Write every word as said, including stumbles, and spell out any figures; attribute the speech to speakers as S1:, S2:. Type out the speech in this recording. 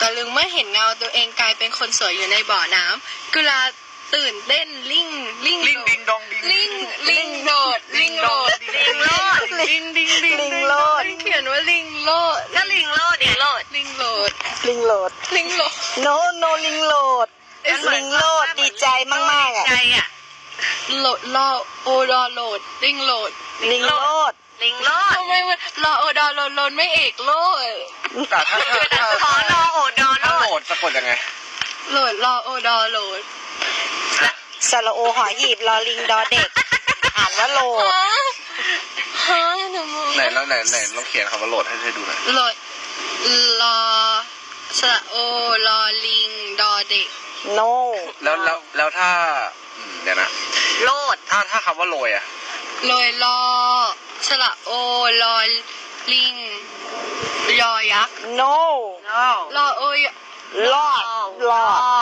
S1: ตะลึงเมื่อเห็นเงาตัวเองกลายเป็นคนสวยอยู่ในบ่อน้ำกุลาตื่นเต้นลิงลิง
S2: ลิงดิงดองดิง
S1: ลิงลิงโดดลิงโดด
S3: ลิงโลด
S1: ลิงดิงดิง
S3: ลิงโลด
S1: เขียนว่าลิงโลด
S3: ก็ลิงโลดลิงโลด
S1: ลิงโลด
S3: ลิงโลด
S1: ลิงโลด
S3: โนโนลิงโลดลิงโลดดีใจมากๆอ่ะ
S4: ใจอ่ะ
S1: โหลดรอโอดอโหลดลิงโหลด
S3: ลิงโลด
S4: ลิงโลด
S1: ทำไมมันรอโอดอโหลดโหลดไม่เอกโลด
S2: แต่ถ้าถ้าถ้า
S4: ขอรอโอดอโล
S2: ถ้าโหล
S4: ด
S2: ดสะกดยังไง
S1: โหลดรอโอดอโหลด
S3: สระโอหอหีบรอลิงดอเด็กอ่านว่าโลด
S1: ฮะฮะหนูมอง
S2: ไหนแล้วไหนไหนลองเขียนคำว่าโหลดให้ให้ดูหน่อย
S1: โหลดรอสระโอรอลิงดอเด็ก
S3: โน
S2: แล้วแล้วแล้วถ้าอืมเดี๋ยวนะ
S4: โลด
S2: ถ้าถ้าคำว่าโรยอะ
S1: โรยรอสระโอรอลิงยอยักษ์
S3: โน
S4: โล
S1: รอโอย
S3: ลอดลอด